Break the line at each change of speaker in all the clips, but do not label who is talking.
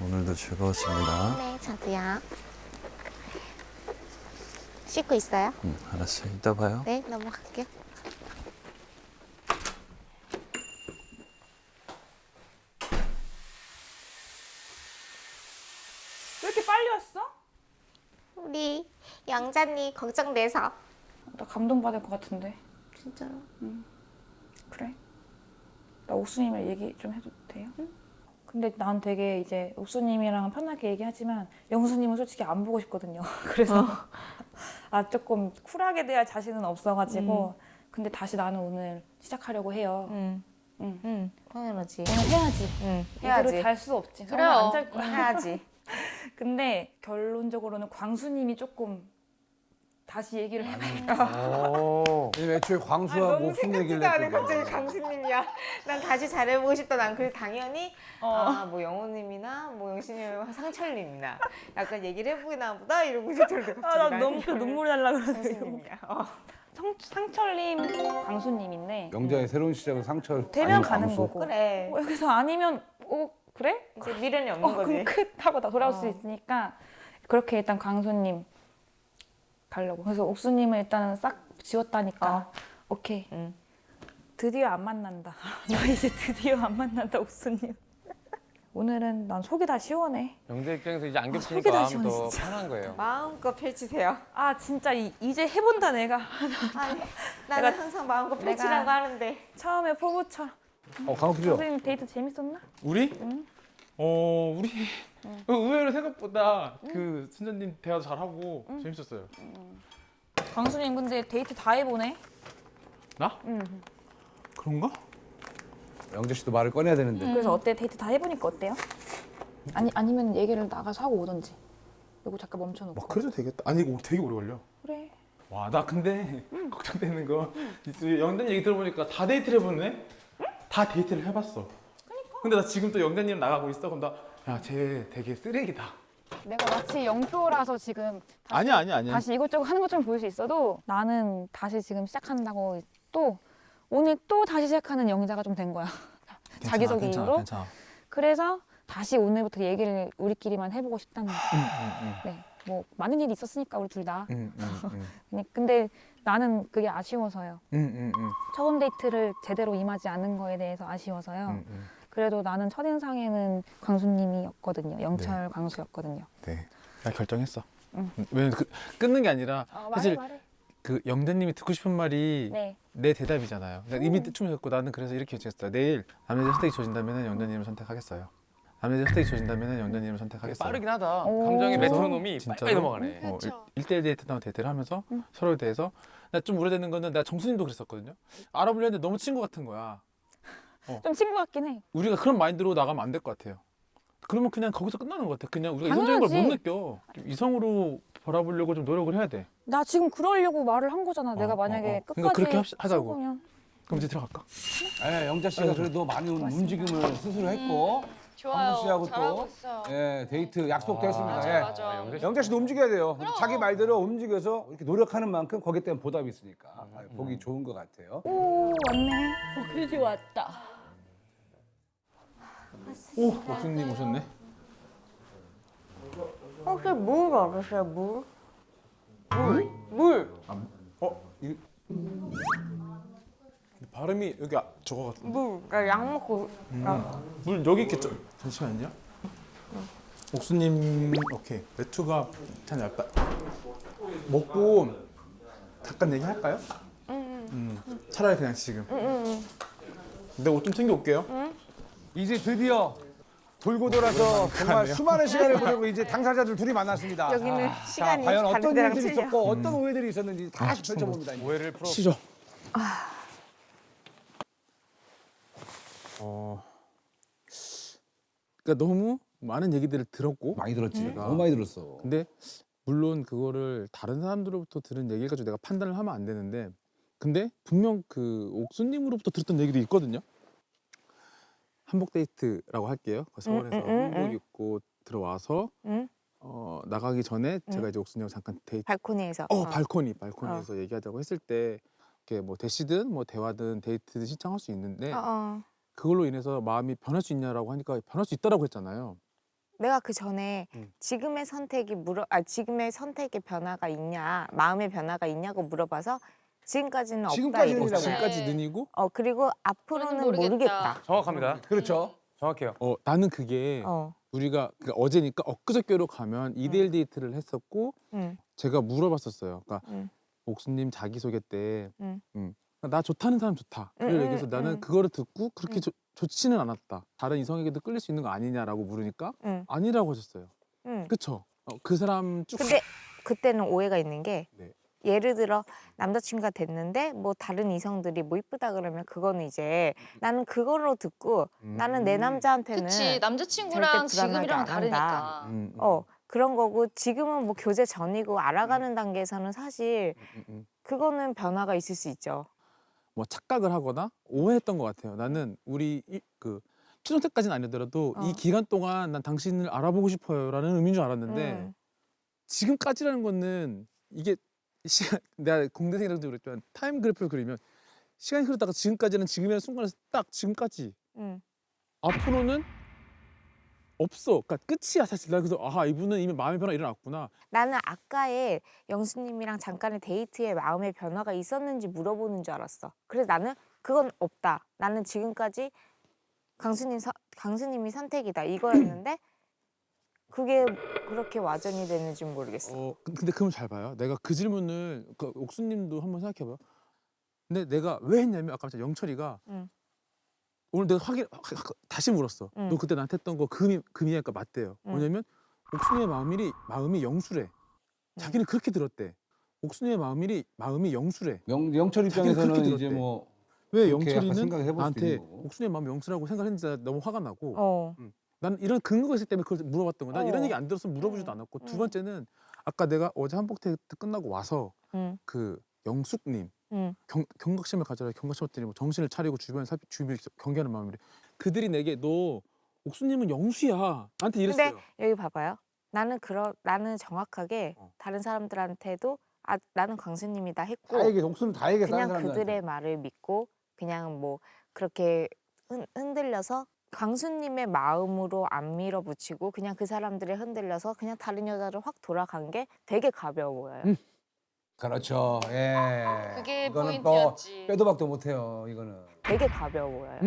오늘도 즐거웠습니다.
네, 저도요. 씻고 있어요?
알았어요. 이따 봐요.
네, 넘어갈게요.
왜 이렇게 빨리 왔어?
우리 영자님 걱정돼서.
나 감동받을 것 같은데.
진짜로?
그래? 나 옥수님이랑 얘기 좀 해도 돼요? 근데 난 되게 이제 옥수님이랑 편하게 얘기하지만 영수님은 솔직히 안 보고 싶거든요. 그래서 아 조금 쿨하게 대할 자신은 없어가지고 근데 다시 나는 오늘 시작하려고 해요.
당연하지.
오늘 해야지.
해야지.
이대로 잘 수 없지.
그래요.
안잘 거야.
해야지.
근데 결론적으로는 광수님이 조금 다시 얘기를 해봐요.
애초에 광수하고 무슨 얘기를
않은
했거든.
갑자기 강수님이야. 난 다시 잘해보고 싶다. 난 그래서 당연히 뭐 영호님이나 뭐 영신님이나 상철님이나 약간 얘기를 해보기나 보다 이러고 이제 저를
아, 나 너무 그 눈물이 날라 그러는데.
강수님이야.
상철님, 광수님인데
영자의 새로운 시작은 상철.
되면
아니면
가는
광수.
거고.
그래.
여기서 아니면 그래?
이제 미련이 없는 거지.
그럼 끝 하고 나 돌아올 수 있으니까 그렇게 일단 광수님 가려고. 그래서 옥수님을 일단은 싹 지웠다니까. 오케이. 드디어 안 만난다. 나 이제 드디어 안 만난다 옥수님. 오늘은 난 속이 다 시원해.
영재 입장에서 이제 안
속이
겹치니까
다
마음
시원해,
더
진짜.
편한 거예요.
마음껏 펼치세요.
아 진짜 이제 해본다 내가.
아니, 나는
내가-
항상 마음껏 펼치라고 하는데.
처음에 포부처럼.
광수죠.
선생님 데이트 재밌었나?
우리? 우리 의외로 생각보다 그 순자님 대화도 잘하고 재밌었어요.
광수님 근데 데이트 다 해보네.
나? 그런가?
영재 씨도 말을 꺼내야 되는데.
그래서 어때? 데이트 다 해보니까 어때요? 아니면 얘기를 나가서 하고 오던지. 이거 잠깐 멈춰놓고.
막 그래도 되겠다. 아니 이거 되게 오래 걸려.
그래.
와 나 근데 걱정되는 거 영자님 얘기 들어보니까 다 데이트를 해보네? 다 데이트를 해봤어. 근데 나 지금 또 영자님 나가고 있어. 그럼 나야쟤 되게 쓰레기다.
내가 마치 영표라서 지금
아니야.
다시 이것저것 하는 것처럼 보일 수 있어도
나는 다시 지금 시작한다고 또 오늘 또 다시 시작하는 영자가 좀 된 거야. 자기소개 이후로.
괜찮아.
그래서 다시 오늘부터 얘기를 우리끼리만 해보고 싶다는 거야. 네. 뭐 많은 일이 있었으니까 우리 둘 다. 근데 나는 그게 아쉬워서요. 처음 데이트를 제대로 임하지 않은 거에 대해서 아쉬워서요. 그래도 나는 첫인상에는 광수님이었거든요. 영철 광수였거든요.
네. 나 결정했어. 왜냐면 끊는 게 아니라 사실
말해.
그 영자님이 듣고 싶은 말이
네.
내 대답이잖아요. 이미 충분했고 나는 그래서 이렇게 결정했어요. 내일 남자들 선택이 조진다면 영자님을 선택하겠어요. 남자들 선택이 조진다면 영자님을 선택하겠어요.
빠르긴 하다.
오.
감정의
그래서
메트로놈이
진짜로?
빨리 넘어가네.
1대1 데이트나 데이트를 하면서 서로에 대해서 나 좀 우려되는 거는 나 정수님도 그랬었거든요. 알아보려 했는데 너무 친구 같은 거야.
좀 친구 같긴 해.
우리가 그런 마인드로 나가면 안 될 것 같아요. 그러면 그냥 거기서 끝나는 것 같아. 그냥 우리가 이성적인 걸 못
당연하지.
느껴. 이성으로 바라보려고 좀 노력을 해야 돼.
나 지금 그러려고 말을 한 거잖아. 내가 만약에
그러니까
끝까지
그렇게 하자고.
친구면.
그럼 이제 들어갈까?
예, 영자 씨가 그래도 많은 움직임을 스스로 했고. 광수 씨하고 또 데이트 약속도 했습니다. 예. 영자 씨도 움직여야 돼요. 자기 말대로 움직여서 이렇게 노력하는 만큼 거기에 대한 보답이 있으니까 보기 좋은 것 같아요.
오 왔네.
그지 왔다.
오, 옥수님 오셨네.
혹시 물 알으세요? 물? 물.
이 발음이 여기 저거 같은데.
물. 그러니까 약 먹고.
물 여기 있겠죠? 잠시만요. 옥수님, 오케이. 외투가 참 얇다. 먹고 잠깐 얘기할까요? 차라리 그냥 지금. 내가 옷 좀 챙겨 올게요.
이제 드디어 돌고 돌아서 정말 수많은 시간을 보내고 이제 당사자들 둘이 만났습니다.
여기는
자,
시간이
과연
다른
어떤
데랑
일들이
틀려.
있었고 어떤 오해들이 있었는지 다시 펼쳐봅니다. 이제.
오해를 풀어.
시죠. 그러니까 너무 많은 얘기들을 들었고,
많이 들었지. 너무 많이 들었어.
근데 물론 그거를 다른 사람들로부터 들은 얘기를 가지고 내가 판단을 하면 안 되는데, 근데 분명 그 옥수님으로부터 들었던 얘기도 있거든요. 한복 데이트라고 할게요. 서울에서 한복 입고 들어와서 나가기 전에 제가 이제 옥수님하고 잠깐 데이트.
발코니에서.
발코니에서 얘기하자고 했을 때 이렇게 뭐 대시든 뭐 대화든 데이트든 신청할 수 있는데 그걸로 인해서 마음이 변할 수 있냐라고 하니까 변할 수 있다라고 했잖아요.
내가 그 전에 지금의 지금의 선택의 변화가 있냐, 마음의 변화가 있냐고 물어봐서 지금까지는 없다
지금까지는
이랬어.
지금까지 는이고
그리고 앞으로는 모르겠다.
정확합니다.
그렇죠.
정확해요.
나는 그게 우리가 어제니까 엊그저께로 가면 2대1 데이트를 했었고
응.
제가 물어봤었어요. 그러니까
응.
옥수님 자기소개 때
응.
나 좋다는 사람 좋다.
응,
그걸
응,
얘기해서 나는
응.
그거를 듣고 그렇게 좋지는 않았다. 다른 이성에게도 끌릴 수 있는 거 아니냐라고 물으니까
응.
아니라고 하셨어요.
응.
그쵸? 그 사람 쭉
근데 그때는 오해가 있는 게
네.
예를 들어 남자친구가 됐는데 뭐 다른 이성들이 뭐 이쁘다 그러면 그거는 이제 나는 그걸로 듣고 나는 내 남자한테는
그치 남자친구랑
절대 불안하게
지금이랑
안
다르니까.
그런 거고 지금은 뭐 교제 전이고 알아가는 단계에서는 사실 그거는 변화가 있을 수 있죠.
뭐 착각을 하거나 오해했던 것 같아요. 나는 우리 초등학생까지는 아니더라도 이 기간 동안 난 당신을 알아보고 싶어요라는 의미인 줄 알았는데 지금까지라는 거는 이게 시간 내가 공대생이라도 그랬지만 타임 그래프를 그리면 시간이 흐르다가 지금까지는 지금이라는 순간에서 딱 지금까지 앞으로는 없어. 그러니까 끝이야 사실. 나 그래서 이분은 이미 마음의 변화가 일어났구나.
나는 아까의 영수님이랑 잠깐의 데이트에 마음의 변화가 있었는지 물어보는 줄 알았어. 그래서 나는 그건 없다. 나는 지금까지 강수님이 선택이다 이거였는데 그게 그렇게 와전이 되는지 모르겠어.
근데 그럼 잘 봐요. 내가 그 질문을 옥수님도 한번 생각해봐요. 근데 내가 왜 했냐면 아까 영철이가 오늘 내가 다시 물었어. 너 그때 나한테 했던 거 금이니까 맞대요. 뭐냐면 옥순이의 마음이 영수래. 자기는 그렇게 들었대. 옥순이의 마음이 영수래.
영철
자기는
입장에서는
그렇게
이제
들었대.
뭐
왜
그렇게 약간
영철이는
생각을 해볼 수도
나한테
있는 거고.
옥순이의 마음이 영수라고 생각했는지 너무 화가 나고 난 이런 근거가 있기 때문에 그걸 물어봤던 거야. 난 이런 얘기 안 들었으면 물어보지도 않았고 두 번째는 아까 내가 어제 한복 데이트 끝나고 와서 그 영숙님 경각심을 가져라. 경각심 했더니 뭐 정신을 차리고 주변을 경계하는 마음이래. 그들이 내게 너 옥수님은 영수야 나한테 이랬어요.
근데 여기 봐봐요. 나는 정확하게 다른 사람들한테도 나는 광수님이다 했고
다 얘기해. 옥수는 다 얘기해.
그냥 그들의 말을 믿고 그냥 뭐 그렇게 흔들려서 광수님의 마음으로 안 밀어붙이고 그냥 그 사람들에 흔들려서 그냥 다른 여자로 확 돌아간 게 되게 가벼워 보여요.
그렇죠. 예.
그게
이거는
포인트였지.
빼도 박도 못해요. 이거는.
되게 가벼워 보여요.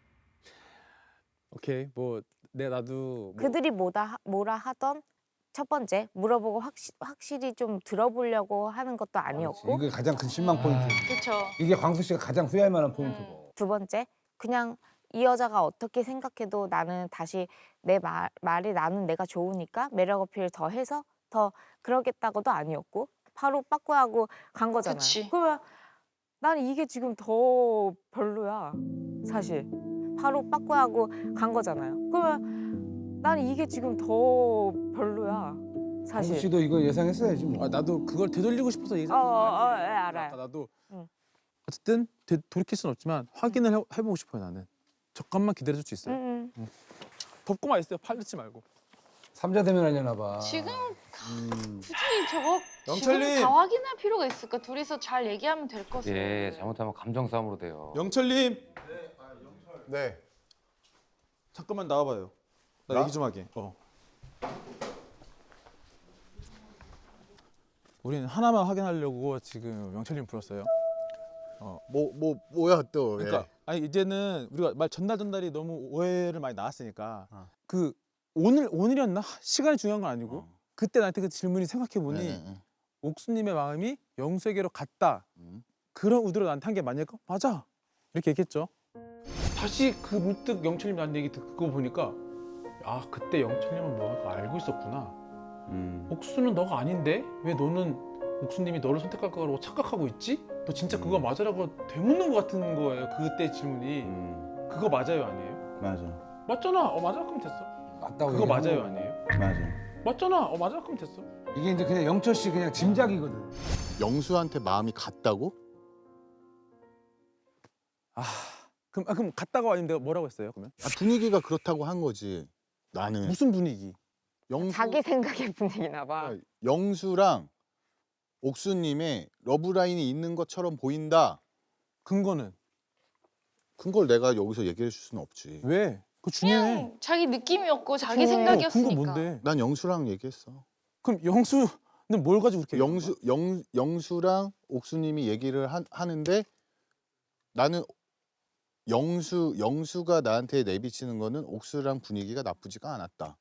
오케이 뭐 나도
그들이 뭐라 하던 첫 번째 물어보고 확실히 좀 들어보려고 하는 것도 아니었고
이게 가장 큰 실망 포인트.
그렇죠.
이게 광수 씨가 가장 후회할 만한 포인트고.
두 번째 그냥 이 여자가 어떻게 생각해도 나는 다시 내 말이 나는 내가 좋으니까 매력 어필을 더 해서 더 그러겠다고도 아니었고 바로 빠꾸하고 간 거잖아요.
그치.
그러면 난 이게 지금 더 별로야 사실. 바로 빠꾸하고 간 거잖아요. 그러면 난 이게 지금 더 별로야 사실.
광수 씨도 이거 예상했어야지 뭐.
나도 그걸 되돌리고 싶어서 얘기.
예, 알아요.
나도 어쨌든 돌이킬 수는 없지만 확인을 해보고 싶어요. 나는 잠깐만 기다려줄 수 있어요. 덮고만 있어요. 팔리지 말고.
삼자 대면하려나 봐.
지금 굳이 저거
영철님!
지금 다 확인할 필요가 있을까? 둘이서 잘 얘기하면 될 것을.
예, 잘못하면 감정 싸움으로 돼요.
영철님
네.
잠깐만 나와봐요. 나 얘기 좀 하게. 우리는 하나만 확인하려고 지금 영철님 불렀어요.
뭐야 또?
그러니까 아니 이제는 우리가 말 전달이 너무 오해를 많이 나왔으니까 그 오늘이었나 시간이 중요한 건 아니고 그때 나한테 그 질문이 생각해 보니 옥수님의 마음이 영수에게로 갔다. 그런 의도로 나한테 한 게 맞을까? 맞아. 이렇게 얘기했죠. 다시 그 문득 영철님 나한테 얘기 듣고 보니까 그때 영철님은 뭐가 알고 있었구나. 옥수는 너가 아닌데 왜 너는 옥수님이 너를 선택할 거라고 착각하고 있지? 너 진짜 그거 맞아라고 되묻는 것 같은 거예요. 그때 질문이. 그거 맞아요 아니에요?
맞아.
맞잖아. 맞아 그럼 됐어.
맞다고
그거
얘기하는
맞아요
거야.
아니에요?
맞아.
맞잖아. 맞아 그럼 됐어.
이게 이제 그냥 영철 씨 그냥 짐작이거든.
영수한테 마음이 갔다고?
그럼 갔다가 아니면 내가 뭐라고 했어요 그러면?
분위기가 그렇다고 한 거지. 나는
무슨 분위기?
자기 생각의 분위기나 봐.
영수랑 옥수님의 러브라인이 있는 것처럼 보인다.
근거는?
그걸 내가 여기서 얘기해 줄 수는 없지.
왜? 그거 중요해.
그냥 자기 느낌이었고 자기
중요해.
근거
생각이었으니까.
뭔데?
난 영수랑 얘기했어.
그럼 영수는 뭘 가지고 그렇게
영수랑 옥수님이 얘기를 하는데 나는 영수가 나한테 내비치는 거는 옥수랑 분위기가 나쁘지가 않았다.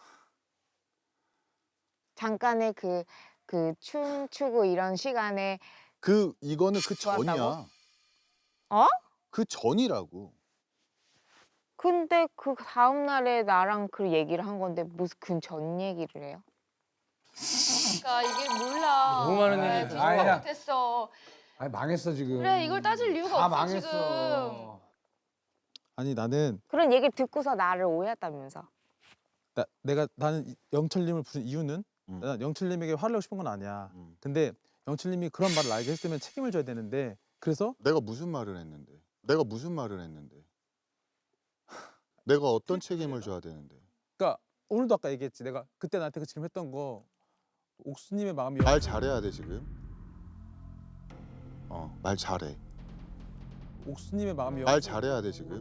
잠깐의 그 춤추고 이런 시간에
이거는 그 전이야.
좋았다고? 어?
그 전이라고.
근데 그 다음 날에 나랑 그 얘기를 한 건데 무슨 그 전 얘기를 해요?
그러니까 이게 몰라.
너무 많은
그래,
일이
생각
있어.
못했어.
아니 망했어 지금.
그래 이걸 따질 이유가
다
없어 지금.
망했어.
아니 나는
그런 얘기를 듣고서 나를 오해했다면서.
나는 영철님을 부른 이유는
음.
난 영철님에게 화를 내고 싶은 건 아니야.
음.
근데 영철님이 그런 말을 나에게 했으면 책임을 져야 되는데 그래서
내가 무슨 말을 했는데? 내가 어떤 책임을 져야 되는데?
그러니까 오늘도 아까 얘기했지. 내가 그때 나한테 그 질문했던 거 옥수님의 마음이
말 잘해야 돼 지금. 말 잘해.
옥수님의 마음이
말 잘해야 돼 지금.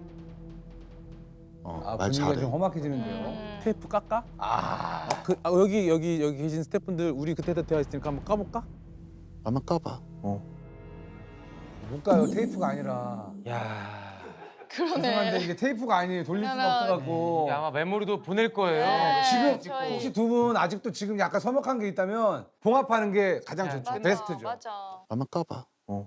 아
말
분위기가
잘해.
좀 험악해지는데요.
테이프 깎아?
아
여기 계신 스태프분들 우리 그때 대화 있으니까 한번 까볼까?
한번 까봐.
못 가요. 테이프가 아니라.
야,
죄송한데
그러네.
이게 테이프가 아니에요. 돌릴 수가
그러면-
없어갖고.
이게 아마 메모리도 보낼 거예요.
네,
지금
저희-
혹시 두 분 아직도 지금 약간 서먹한 게 있다면 봉합하는 게 가장
네.
좋죠.
맞아,
베스트죠.
맞아.
한번 까봐.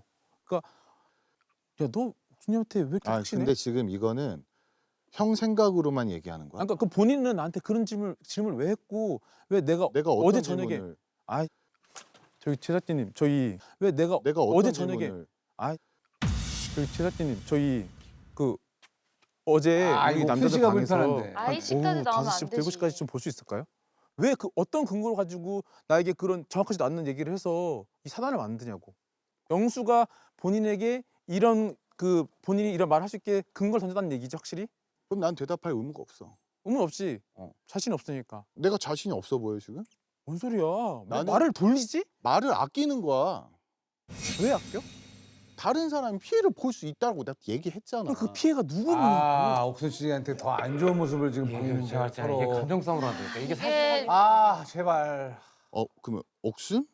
야 너 옥수님한테 왜 이렇게 확신해?
근데 지금 이거는 형 생각으로만 얘기하는 거야.
그러니까 그 본인은 나한테 그런 질문을 왜 했고 왜 내가
내가 어떤
어제 저녁에
질문을,
저희 제작진님 저희 왜 내가
내가 어떤
어제 저녁에
질문을,
저희 제작진님 저희 그 어제 우리
이거
남자들
표시가
방에서
불편한데.
아이 씨까지 나오면 안
5시부터
되지.
7시까지 좀 볼 수 있을까요? 왜 그 어떤 근거를 가지고 나에게 그런 정확하지도 않는 얘기를 해서 이 사단을 만드냐고. 영수가 본인에게 본인이 이런 말을 할 수 있게 근거를 던졌다는 얘기지 확실히?
그럼 난 대답할 의무가 없어.
의문 없이 자신 없으니까.
내가 자신이 없어 보여 지금?
뭔 소리야? 왜
나는-
말을 돌리지?
말을 아끼는 거야.
왜 아껴?
다른 사람이 피해를 볼 수 있다고 내가 얘기했잖아.
그 피해가 누구냐고.
옥순 씨한테 더 안 좋은 모습을 지금 보이는
제가
서로.
이게 감정싸움으로 안 되니까 이게 사실
이게
제발.
그러면 옥순?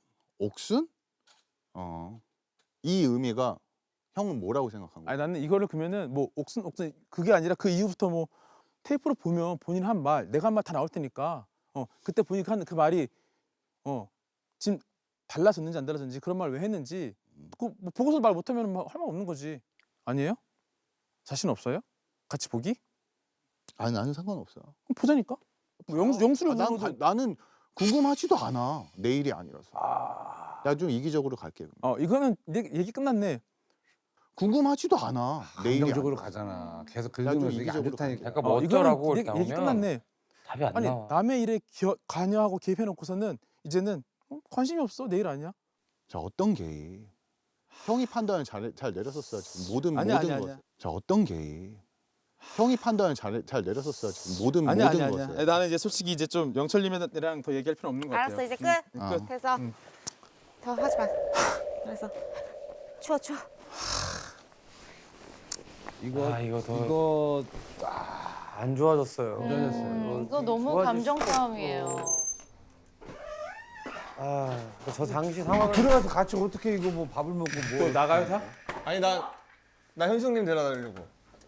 이 의미가 형은 뭐라고 생각한 거야?
아니 나는 이거를 그러면은 뭐 옥순 그게 아니라 그 이후부터 뭐 테이프로 보면 본인 한 말, 내가 한 말 다 나올 테니까 그때 본인이 한 그 말이 지금 달라졌는지 안 달라졌는지 그런 말 왜 했는지 그 뭐 보고서 말 못하면 할 말 없는 거지. 아니에요? 자신 없어요? 같이 보기?
아니 나는 상관없어.
그럼 보자니까. 뭐 영수를 물어도
나는 궁금하지도 않아. 내일이 아니라서. 나 좀 이기적으로 갈게.
이거는 얘기 끝났네.
궁금하지도 않아. 내일이
감정적으로
아니라서.
가잖아. 계속
나좀
긁으면서 이게 안
이기적으로
좋다니까.
약간 뭐
이거는
어쩌라고 이렇게
얘기
나오면
끝났네.
답이 안
아니
나와.
남의 일에 관여하고 개입해놓고서는 이제는 관심이 없어. 내일 아니야.
자 어떤 개입? 형이 판단을 잘 내렸었어요. 지금 모든
아니야.
것. 자 어떤 개입? 형이 판단을 잘 내렸었어요. 지금 모든
아니야.
것을.
나는 이제 솔직히 이제 좀 영철님이랑 더 얘기할 필요 없는 것 같아요.
알았어 이제 끝.
끝.
됐어. 더 하지 마. 알았어. 추워.
이거
안 좋아졌어요.
이거 너무 감정 싸움이에요.
저 당시 상황을
들어가서 같이 어떻게 이거 뭐 밥을 먹고 뭐
나가요 다?
아니 나 현숙님 데려다 주려고.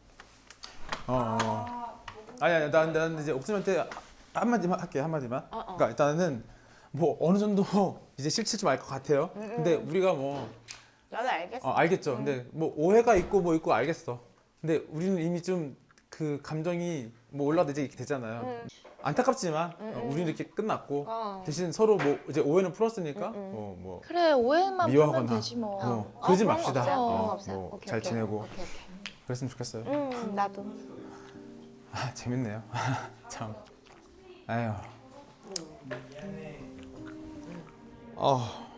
아니 난 이제 옥수님한테 한마디만 할게 한마디만. 그러니까 일단은 뭐 어느 정도 이제 실체 좀 알 것 같아요. 근데 우리가 뭐
나도 알겠어.
알겠죠. 근데 뭐 오해가 있고 뭐 있고 알겠어. 근데 우리는 이미 좀 그 감정이 뭐 올라도 이제 이렇게 되잖아요. 안타깝지만 우리는 이렇게 끝났고 대신 서로 뭐 이제 오해는 풀었으니까 뭐
그래 오해만
미워하거나
풀면 되지 뭐.
그러지
그런 거
맙시다.
없어요. 그런 거 없어요.
뭐
오케이,
잘
오케이.
지내고
오케이.
그랬으면 좋겠어요.
나도.
재밌네요. 참. 아유.